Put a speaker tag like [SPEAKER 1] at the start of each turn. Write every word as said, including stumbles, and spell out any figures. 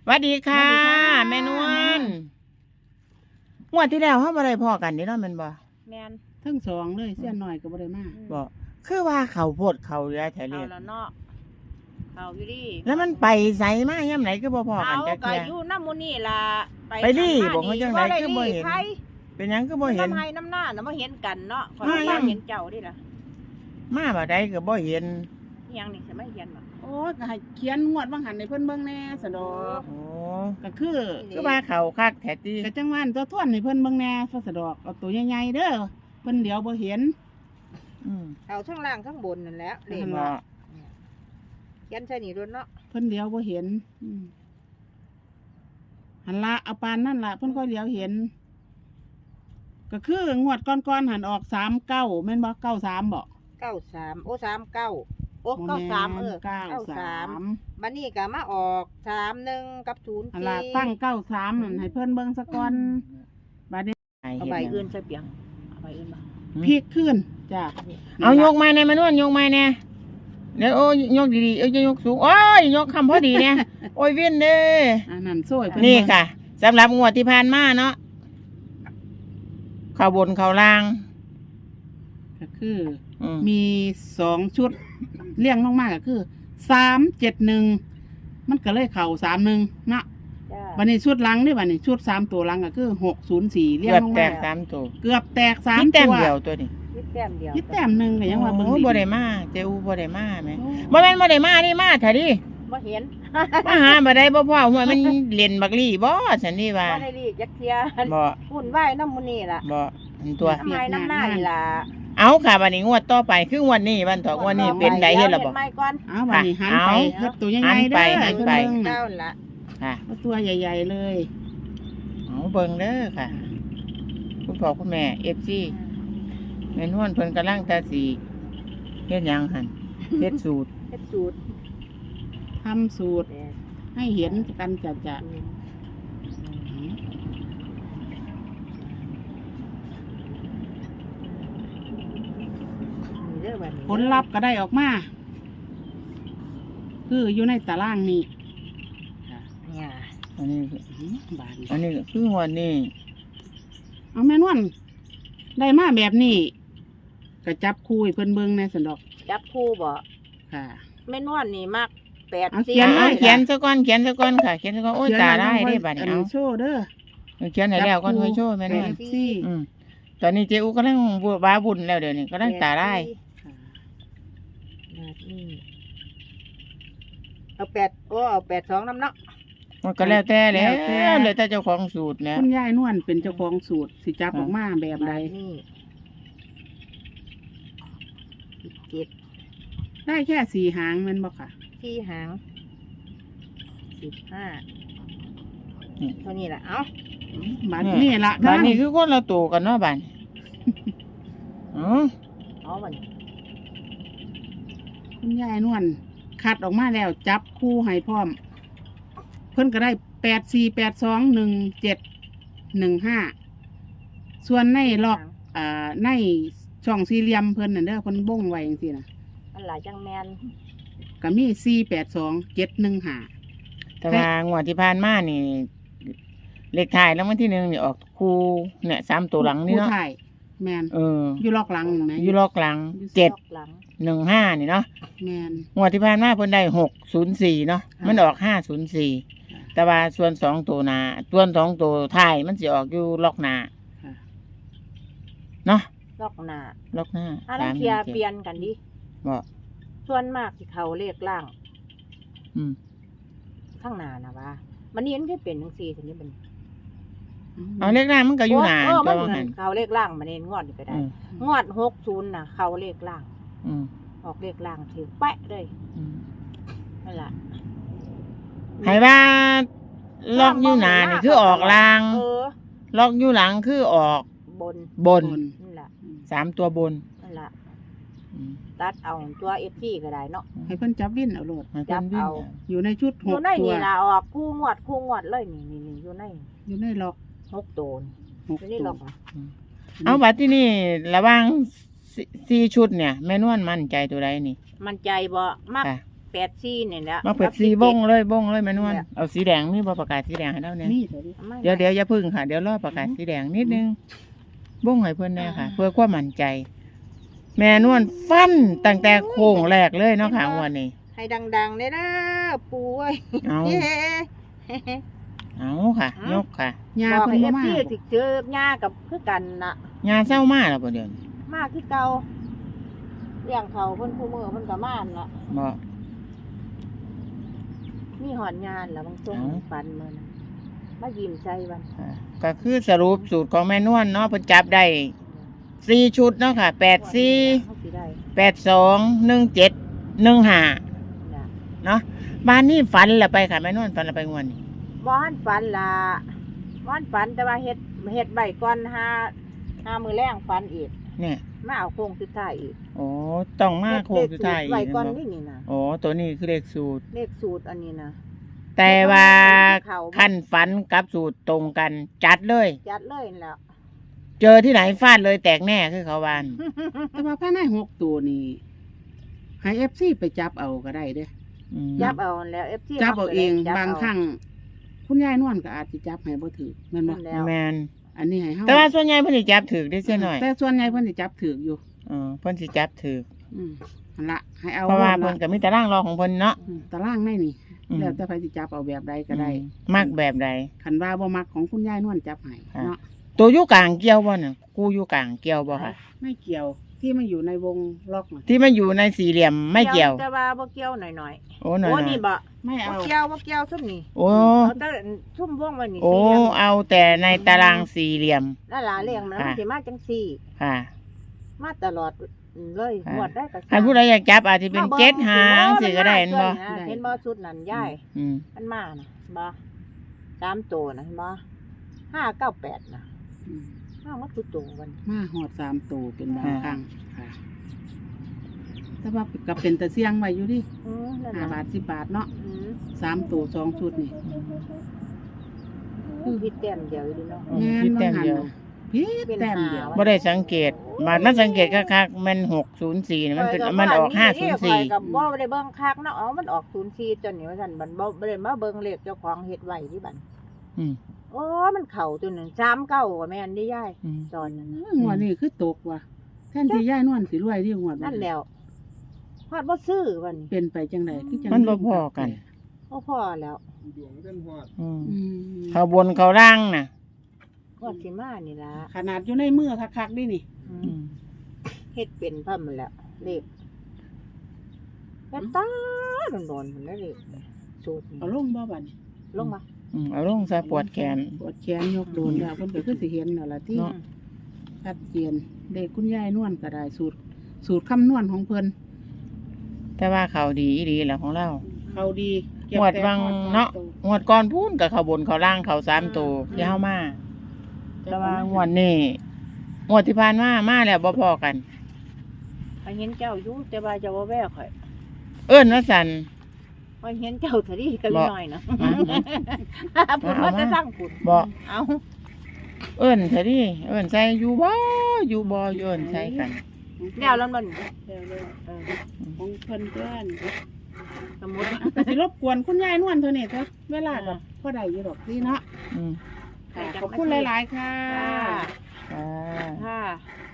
[SPEAKER 1] สวัสดีค่ะแม่นวลงวดที่แล้วเฮาบ่ได้พ้อกันนี่เนาะแม่นบ่
[SPEAKER 2] แม่น
[SPEAKER 3] ทั้งสองเลยเสี้ยนหน่อยก็บ่ได้มา
[SPEAKER 1] บ่คือว่าเขาโพดเขาเหลือแท้เล
[SPEAKER 2] เอา
[SPEAKER 1] ย
[SPEAKER 2] แล้วเนาะเขาอยู่ดิ
[SPEAKER 1] แล้วมันไปไสมายามไหนคือบ่พ้อ
[SPEAKER 2] เอา
[SPEAKER 1] กันจัก
[SPEAKER 2] ก็
[SPEAKER 1] เทื่อ
[SPEAKER 2] อยู่น้ำมูนี่ล่ะ
[SPEAKER 1] ไปดิบอกเขาจังไหนคือบ่เห็น
[SPEAKER 2] ใคร
[SPEAKER 1] เป็นหยังคือบ่เห็น
[SPEAKER 2] น้ำให้น้ำหน้าน่ะบ่เห็นกันเนาะขอย
[SPEAKER 1] มายั
[SPEAKER 2] บ่
[SPEAKER 1] ง
[SPEAKER 2] เห็นเจ้าดิล่ะ
[SPEAKER 1] มาบ่ได้ก็บ่เห็น
[SPEAKER 2] อิหยังนี่สิไม่เห็นบ่
[SPEAKER 3] โอ้ยก็ให้เขียนงวดบางหันให้เพิ่นเบิ่งแหน่สะดอก
[SPEAKER 1] โอ้
[SPEAKER 3] ก็คือ
[SPEAKER 1] คือว่าเขาคักแท้ติ
[SPEAKER 3] ก็จังหวานตัวทวนให้เพิ่นเบิ่งแหน่ซะสะดอกเอาตัวใหญ่ๆเด้อเพิ่นเดี๋ยวบ่เห็น
[SPEAKER 1] อืม
[SPEAKER 2] เอาทั้งล่างทั้งบนนั่นแหละเลข
[SPEAKER 1] บ่
[SPEAKER 2] ยันใส่นี่ด้วยเนาะ
[SPEAKER 3] เพิ่นเดี๋ยวบ่เห็นอืมหันละเอาปานนั่นล่ะเพิ่นก็เดี๋ยวเห็น ก็คืองวดก่อนๆหันออกสามเก้าแม่นบ่เก้าสามบ่
[SPEAKER 2] เก้าสามโอ้สามเก้าโอ้เก้าสามเออ
[SPEAKER 3] เก้าสาม
[SPEAKER 2] บัดนี้ก็มาออกสามหนึ่งกับศูนย์
[SPEAKER 3] อัน
[SPEAKER 2] สี่
[SPEAKER 3] ละตั้งเก้าสามนั่นให้เพิ่นเบิ่งซะก่อนบัดนี้
[SPEAKER 2] เอาใบอื่นใส่เปียงเอาใบอื่นบ่
[SPEAKER 3] พลิกขึ้นจ้ะ
[SPEAKER 1] เอายกไม้แน่แม่นวลยกไม้แน่เดี๋ยวโอ้ยยกดีๆเอ้ยยกสูงโอ้ยยกคำพอดีเนี่ยโอ้ยเวียนเด้
[SPEAKER 3] อันนั้นโซ่ให้เพิ่น
[SPEAKER 1] นี่
[SPEAKER 3] เบิ่ง
[SPEAKER 1] ค่ะสำหรับงวดที่ผ่านมาเนาะเข้าบนเข้าล่าง
[SPEAKER 3] ก็คือ
[SPEAKER 1] อืม
[SPEAKER 3] มีสองชุดเรียงลงมาก็คือสามเจ็ดหนึ่งมันก็เลยเข่าสามหนึ่งนะ
[SPEAKER 2] จ้า
[SPEAKER 3] วันนี้ชุดหลังนี่วันนี้ชุดสามตัวหลังก็คือหกศูนย์สี่เรียง
[SPEAKER 1] เกือบ
[SPEAKER 3] ลง
[SPEAKER 1] แต
[SPEAKER 3] มาก
[SPEAKER 1] สามตัว
[SPEAKER 3] เกือบแตกสาม
[SPEAKER 1] นี่แต้ม
[SPEAKER 3] ตัว
[SPEAKER 1] เดียวตัวนี้
[SPEAKER 2] คิดแต้มเดียว
[SPEAKER 3] คิดแต้มหนึ่งก็ยังว่าเบิ่ง
[SPEAKER 1] โอ้
[SPEAKER 3] ดี
[SPEAKER 1] บ่ได้มาเจ้าบ่ได้มาแม่
[SPEAKER 3] โอ้
[SPEAKER 1] บ่แม่นบ่ได้มานี่มาเถอะดิ
[SPEAKER 2] บ่เห็น
[SPEAKER 1] มาหาบ่ได้บ่พ่อหัวมันเล่นบักลี่บ่ฉันนี่ว่า
[SPEAKER 2] บ่ได้รีดจักเทีย
[SPEAKER 1] บ่
[SPEAKER 2] หุ่นไหว้น้ำมูนี่ล่ะ
[SPEAKER 1] บ่อันตัว
[SPEAKER 2] น้ำไม้น้ำหน้านี่ล่ะ
[SPEAKER 1] เอาค่ะบัดนี้งวดต่อไปคืองวดนี้วันต่องวดนี้เป็นไดเฮ็ดล่ะบ่
[SPEAKER 2] ไม้ก่อน
[SPEAKER 3] เอาวันนี้หันไป
[SPEAKER 1] เอา
[SPEAKER 3] เฮ็ดตัวให
[SPEAKER 1] หั
[SPEAKER 3] ญ่
[SPEAKER 1] น
[SPEAKER 3] ๆ
[SPEAKER 1] ไป
[SPEAKER 3] เด้อ
[SPEAKER 1] หัน
[SPEAKER 3] เพิ่น
[SPEAKER 1] ไป
[SPEAKER 3] เบิ่ง
[SPEAKER 2] เก้า
[SPEAKER 3] น่ะ
[SPEAKER 2] ละ
[SPEAKER 1] ค่ะ
[SPEAKER 3] เอาตัวใหญ่ๆเลย
[SPEAKER 1] เอาเบิ่งเด้อค่ะ คุณพ่อคุณแม่ เอฟ ซี แม่นวลเพิ่นกำลังแต่สิเฮ็ดหยังหั่นเฮ็ดสูตร
[SPEAKER 2] เฮ็ดสูตร
[SPEAKER 3] ทำสูตรให้เห็นกันจะจะ
[SPEAKER 2] นี่เด้อบัดนี้
[SPEAKER 3] ผลลัพธ์ก็ได้ออกมาคืออยู่ในตารางนี้
[SPEAKER 2] เนี่ย
[SPEAKER 1] อันนี้
[SPEAKER 3] อืมบาดนี้
[SPEAKER 1] อันนี้ก็คืองวดนี้
[SPEAKER 3] เอาแม่นวลได้มาแบบนี้ก็จับคู่ให้เพิ่นเบิ่งในสันดอก
[SPEAKER 2] จับคู่บ่
[SPEAKER 3] ค่ะ
[SPEAKER 2] แม่นวลนี่มักแปด
[SPEAKER 3] เอา
[SPEAKER 2] สี่
[SPEAKER 3] เขียน
[SPEAKER 1] เอา
[SPEAKER 3] ล
[SPEAKER 1] เขียนซะก่อนเขียนซะก่อนค่ะเขียนซะก่อนโอ้ยตาได้เด้บัดนี้เอา
[SPEAKER 3] โชว์เด้อ
[SPEAKER 1] เขียนให้แล้วก่อนค่อยโชว์แม่นวล
[SPEAKER 3] แปดสี่
[SPEAKER 1] อืมตอนนี้เจอูกำลังว้าบุญแล้วเดี๋ยวนี้กำลังตาได้
[SPEAKER 3] ค่ะ
[SPEAKER 2] แบบนี้เอาแปดโอ้เอาแปดสองน้ำเนาะ
[SPEAKER 1] มันก็แล้วแต่แล้ว
[SPEAKER 3] แล้วแต่
[SPEAKER 1] เลยแต่เจ้าของสูตรแล้ว
[SPEAKER 3] คุณยายนวลเป็นเจ้าของสูตรสิจับออกมาแบบใด
[SPEAKER 2] นี่เจ็ด
[SPEAKER 3] ได้แค่สี่หางแมันบ่ค่ะ
[SPEAKER 2] ที่หางสิบห้า
[SPEAKER 1] นี่
[SPEAKER 2] เท่านี้แหละเอ้า
[SPEAKER 3] บาดนี่ละ
[SPEAKER 1] บ้านนี้คือคนละตัวกันเนาะบ้านอ๋อ
[SPEAKER 2] เอาบัดนี้
[SPEAKER 3] คุณยายนวลคัดออกมาแล้ว จับคู่ให้พร้อม เพิ่นก็ได้แปดสี่แปดสองหนึ่งเจ็ดหนึ่งห้าส่วนในล็อกอ่าในช่องสี่เหลี่ยมเพิ่นน่ะเด้อเพิ่นบ่งไว้จังซี่น่ะ
[SPEAKER 2] อันหลายจังแมน
[SPEAKER 3] ก็มีสี่แปดสองเจ็ดหนึ่งห้า
[SPEAKER 1] แต่ว่างวดที่ผ่านมานี่เลขท้ายแล้ววันที่หนึ่งนี่ออกคู่เนี่ยสามตัวหลังนี่เนาะ
[SPEAKER 3] ผู้ถ่ายแมน
[SPEAKER 1] เออ
[SPEAKER 3] อยู่ล็อกหลังเห็นไหม
[SPEAKER 1] อยู่ลอกหลังเจ็ด
[SPEAKER 2] รอบหลัง
[SPEAKER 1] หนึ่งห้านี่เนาะ
[SPEAKER 3] แมน
[SPEAKER 1] งวดที่ผ่านมาเพิ่นได้หกศูนย์สี่เนาะ
[SPEAKER 3] ค่ะ
[SPEAKER 1] มันออกห้าศูนย์สี่แต่ว่าส่วนสองตัวหนาส่วนสองตัวท้ายมันสิออกอยู่ล็อกหนา
[SPEAKER 3] ค่ะ
[SPEAKER 1] เนาะ
[SPEAKER 2] รอบหน้า
[SPEAKER 1] ล็อกหน้า
[SPEAKER 2] อันนั้นเคลียร์เปลี่ยนกันดิ
[SPEAKER 1] บอก
[SPEAKER 2] ส่วนมากที่เขาเลขล่าง
[SPEAKER 1] อืม
[SPEAKER 2] ข้างหน้านะว่ามันนี่มันแค่เป็นทั้งสี่ทีนี้มัน
[SPEAKER 1] เอาเลขหน้ามันก็อยู่หนา
[SPEAKER 2] เออ
[SPEAKER 1] ตั
[SPEAKER 2] มั
[SPEAKER 1] วน ว่า
[SPEAKER 2] เหมื
[SPEAKER 1] หั
[SPEAKER 2] อน นเขาเลขล่างมันเองงวดนี่ก็ได้
[SPEAKER 1] อืม
[SPEAKER 2] งวดหกศูนย์นะเขาเลขล่าง
[SPEAKER 1] อืม
[SPEAKER 2] ออกเลขล่างถือแปะเลย
[SPEAKER 1] อืม
[SPEAKER 2] นั่นแหละ
[SPEAKER 1] ให้ว่าล็อกอยู่หนานี่คือออกลาง
[SPEAKER 2] เออ
[SPEAKER 1] ล็อกอยู่หลังคือออก
[SPEAKER 2] บน
[SPEAKER 1] บน
[SPEAKER 2] นั่นแหละ
[SPEAKER 1] สามตัวบน
[SPEAKER 2] นั่นแหละ
[SPEAKER 1] อืม
[SPEAKER 2] ตัดเอาตัวเอฟซีก็ได้เนาะ
[SPEAKER 3] ให้เพิ่นจับวินเอาโลด
[SPEAKER 1] ให้เพิ่นวิ่ง
[SPEAKER 2] จับเอา
[SPEAKER 3] อยู่ในชุด
[SPEAKER 2] อ
[SPEAKER 3] ห
[SPEAKER 2] ยู่
[SPEAKER 3] ก
[SPEAKER 2] ใน
[SPEAKER 3] ตัว
[SPEAKER 2] นี่ละออกคู่งวดคู่งวดเลยนี่นี่นี่อยู่ใน
[SPEAKER 3] อยู่ในล็อก
[SPEAKER 2] หกตัวนี่
[SPEAKER 3] หก
[SPEAKER 2] อยู่ใน
[SPEAKER 3] ตั
[SPEAKER 2] หล
[SPEAKER 3] ว
[SPEAKER 2] อก
[SPEAKER 1] เอาบัดที่นี่ระหว่างสี่สี่ชุดเนี่ย แม่นวลมั่นใจตัวใดนี่
[SPEAKER 2] มันใจบ่มัก
[SPEAKER 1] ค่ะ
[SPEAKER 2] แปดสี่นี่แหละ
[SPEAKER 1] มาเปิดสีบงเลยบงเลยแม่นวลเอาสีแดงนี่บ่ประกาศสีแดงให้เราเนี่ย
[SPEAKER 3] นี่เถอะดิ
[SPEAKER 1] เดี๋ยวเดี๋ยวอย่าพึ่งค่ะเดี๋ยวรอประกาศสีแดงนิดนึงบงให้เพิ่นแน่ค่ะ เพื่อความมั่นใจ แม่นวลฟันตั้งแต่โค้งแรกเลยเนาะค่ะวันนี้
[SPEAKER 2] ให้ดังๆเลยนะปูเอ้ย
[SPEAKER 1] เอา
[SPEAKER 2] เย้
[SPEAKER 1] เอาค่ะ ยกค่ะ
[SPEAKER 3] ยา
[SPEAKER 2] บอก
[SPEAKER 3] เพิ่น
[SPEAKER 2] ให้
[SPEAKER 3] บ่
[SPEAKER 2] เอฟ
[SPEAKER 3] มา
[SPEAKER 2] ซีถึกเจอหญ้ากับคือกันน่ะ
[SPEAKER 1] งานเศร้ามากแล้วบ่เดี๋ยวนี้
[SPEAKER 2] มากคือเก่าเลี้ยงเขาเพิ่นคู่มือเพิ่นก็มานละ
[SPEAKER 1] บ่
[SPEAKER 2] มีหอนงานแล้วบางช่วงปันมื้อนะมายิ้มใจวัน
[SPEAKER 1] ค่ะก็คือสรุปสูตรของแม่นวลเนาะเพิ่นจับได้สี่ชุดเนาะค่ะแปดสี่
[SPEAKER 2] เขาสิได้
[SPEAKER 1] แปดสองหนึ่งเจ็ดหนึ่งห้า
[SPEAKER 2] น่ะ
[SPEAKER 1] เนาะบ้านนี้ฝันละไปค่ะแม่นวลฝันละไปงวดนี้
[SPEAKER 2] บ่หันฝันล่ะบ่หันฝันแต่ว่าเฮ็ดเฮ็ดใบก่อนหาหามื้อแรงฝันอีก
[SPEAKER 1] เนี่ย
[SPEAKER 2] มาเอาโค้งสุดท้ายอีก
[SPEAKER 1] โอ้ต้องมาโค้งสุดท้าย
[SPEAKER 2] เฮ็ดเลขสูตรใบก่อน
[SPEAKER 1] อี
[SPEAKER 2] นี่
[SPEAKER 1] ก
[SPEAKER 2] นี่นะ
[SPEAKER 1] โอ้ตัวนี้คือเลขสูตร
[SPEAKER 2] เลขสูตรอันนี้นะ
[SPEAKER 1] แต่ว่า
[SPEAKER 2] เขา
[SPEAKER 1] ขั้นฝันกับสูตรตรงกัน จัดเลย
[SPEAKER 2] จัดเลยนั่นแหล้ว
[SPEAKER 1] เจอที่ไหนฟาดเลยแตกแน่คือเขาวาน
[SPEAKER 3] แต่ว่าภายในหกตัวนี่ให้ เอฟ ซี ไปจับเอาก็ได้เด้อ
[SPEAKER 1] อืม
[SPEAKER 2] จับเอาแล้ว เอฟ ซี
[SPEAKER 3] จับเอาเอง
[SPEAKER 2] จั
[SPEAKER 3] บางครั้งคุณยายนวลก็อาจสิจับให้บ่ถือแม่นบ่
[SPEAKER 2] นั่นแล้ว
[SPEAKER 1] แมน
[SPEAKER 3] อันนี้ให้เฮา
[SPEAKER 1] แต่ว่าส่วนใหญ่เพิ่นสิจับถือได้เสียหน่อย
[SPEAKER 3] แต่ส่วนใหญ่เพิ่นสิจับถืออยู่
[SPEAKER 1] เออเพิ่นสิจับถือ
[SPEAKER 3] อืมนั่นละให้เอา
[SPEAKER 1] เพราะว่า
[SPEAKER 3] โล
[SPEAKER 1] เพิ่
[SPEAKER 3] ด
[SPEAKER 1] น
[SPEAKER 3] ละ
[SPEAKER 1] ก็มีตารางรอของเพิ่นเนาะ
[SPEAKER 3] อืมตารางในนี่
[SPEAKER 1] อืม
[SPEAKER 3] แล้วแต่ใครสิจับเอาแบบใดก็ได้
[SPEAKER 1] อืมมักแบบใด
[SPEAKER 3] คันว่าบ่มักของคุณยายนวลจับให้
[SPEAKER 1] ค่ะ
[SPEAKER 3] เนาะ
[SPEAKER 1] ตัวอยู่กลางเกี่ยวบ่น่ะกูอยู่กลางเกี่ยวบ่ค่ะ
[SPEAKER 3] ไม่เกี่ยวที่มันอยู่ในวงล็อกน่ะ
[SPEAKER 1] ที่มันอยู่ในสี่เหลี่ยมไม่เกี่ยว
[SPEAKER 2] แต่ว่าบ่เกี่ยวหน่อย
[SPEAKER 1] โอ้
[SPEAKER 2] ๆ
[SPEAKER 1] หน่อย
[SPEAKER 2] โอ้
[SPEAKER 1] ๆ
[SPEAKER 2] นี่บ่
[SPEAKER 3] ไม่
[SPEAKER 2] บ่
[SPEAKER 3] เอา
[SPEAKER 2] เกี่ยวบ่เกี่ยวซุ่มนี่
[SPEAKER 1] โอ้
[SPEAKER 2] เอาแต่ซุ่มวงไว้นี่
[SPEAKER 1] โอ้
[SPEAKER 2] สี่เหลี่ยม
[SPEAKER 1] เอาแต่ในตารางสี่เหลี่ยม
[SPEAKER 2] นั่นล่ะเลี้ยงมัน
[SPEAKER 1] ค่ะ
[SPEAKER 2] สิมาจังซี่
[SPEAKER 1] ค่ะ
[SPEAKER 2] มาตลอดเลย
[SPEAKER 1] ค่ะ
[SPEAKER 2] งวดได้ก็
[SPEAKER 1] ถ้าผู้ใดอยากจับอาจจะเป็นเจ็ดหางสิก็ได้เห็นบ่
[SPEAKER 2] เห็นบ่ชุดนั้นยาย
[SPEAKER 1] อืม
[SPEAKER 2] มันมาน่ะบ่สามตัวน่ะเห็นบ่ห้าเก้าแปดน่ะ
[SPEAKER 3] อืม
[SPEAKER 2] ห้ามันคือตัวมัน
[SPEAKER 3] มาหอดสามตัวเป็นบางครั้งค่ะแต่ว่าก็เป็นตะเสียงไว้อยู่ดิ
[SPEAKER 2] อือนั่น
[SPEAKER 3] ห้า
[SPEAKER 2] น่ะ
[SPEAKER 3] บาทสิบบาทเนาะ
[SPEAKER 2] อือ
[SPEAKER 3] สามตัวสองชุดนี่
[SPEAKER 2] คือพิดแต้มเดียวอยู่ดิเนาะ
[SPEAKER 1] อืมคิดแต้มเดียว
[SPEAKER 3] พีดแต้มเดียว
[SPEAKER 1] บ่ได้สังเกตมามันสังเกตคักๆมันหกศูนย์สี่มันเป็นมันออกห้าศูนย์สี่
[SPEAKER 2] กับบ่ได้เบิ่งคักเนาะอ๋อมันออกศูนย์สี่จนนี่ว่าซั่นบัดบ่บ่ได้มาเบิ่งเลขเจ้าของเฮ็ดไว้ที่บัด
[SPEAKER 1] อืม
[SPEAKER 2] โอ้มันเข้าตัวหนึงสามเก้าก็แม่นได้ยาย
[SPEAKER 1] อืม
[SPEAKER 2] ตอนนั้นน่ะ
[SPEAKER 3] เออหัวดนี่คือตกว่ะแทนที่ย่ายนวลสิรวยที่หัวด
[SPEAKER 2] นั่นแล้วฮอดบ่ซื้อบัดนี้
[SPEAKER 3] เป็นไปจังไดคือจัง
[SPEAKER 1] มันบ่พอกัน
[SPEAKER 2] บ่พอแล้ว
[SPEAKER 1] อืม
[SPEAKER 3] อืม
[SPEAKER 1] เขาบนเขาล่างน่ะ
[SPEAKER 2] ฮอดสิมานี่ล่ะ
[SPEAKER 3] ขนาดอยู่ในมือคักๆดินี่
[SPEAKER 2] อื
[SPEAKER 1] อื
[SPEAKER 2] ม
[SPEAKER 1] ม
[SPEAKER 2] เฮ็ดเป็นพร้ำแล้วเลขแต่ตาโดนๆพุ่นเลยเลขสูตรนี่
[SPEAKER 3] เอาลงบ่บัดนี้
[SPEAKER 2] ลงมา
[SPEAKER 1] อืมเอาลงซะปวดแขน
[SPEAKER 3] ปวดแขนยกโดนแล้วเพิ่นก็คือสิเห็นนั่นล่ะที่
[SPEAKER 1] เนาะ
[SPEAKER 3] ชัดเจนเด็กคุณยายนวลก็ได้สูตร สูตรคำนวณของเพิ่น
[SPEAKER 1] แต่ว่าเขาดีอีหลีแหละของเรา
[SPEAKER 3] เขาดี
[SPEAKER 1] งวดวังเนาะงวดก่อนพูนกับเขาบนเขาล่างเขาสามตัวที่เฮามาแต่ว่างวดนี้งวดที่ผ่านมามาแล้วบ่พอกัน
[SPEAKER 2] ข้อยเห็นเจ้าอยู่แต่ว่าเจ้าบ่แววข่อย
[SPEAKER 1] เอิ้นว่าสัน
[SPEAKER 2] ข้อยเห็นเจ้าเท่านี้ก็
[SPEAKER 1] บ่
[SPEAKER 2] น้อยเนาะ
[SPEAKER 1] อ่ะ
[SPEAKER 2] พูด
[SPEAKER 1] เอา
[SPEAKER 2] ว่า
[SPEAKER 1] มา
[SPEAKER 2] จะสร้างพูด
[SPEAKER 1] บ่
[SPEAKER 2] เอา
[SPEAKER 1] เอิ้นเถอะดิเอิ้นใส่อยู่บ่อยู่บ่อยู่เอิ้นใส่กัน
[SPEAKER 2] แล้วแล้วมัน
[SPEAKER 3] เดี๋ยวเลย
[SPEAKER 2] เออ
[SPEAKER 3] ของเพิ่นเพื่อน
[SPEAKER 2] สมมุติ
[SPEAKER 3] ก็สิรบกวนคุณยายนวลเท่านี้เถอะเวลาก็พอได้อยู่ดอกนี่เนาะ
[SPEAKER 1] อืม
[SPEAKER 3] ค่ะขอบคุณหลายๆค่ะ
[SPEAKER 2] ค่ะ
[SPEAKER 1] อ่า
[SPEAKER 2] ค่ะ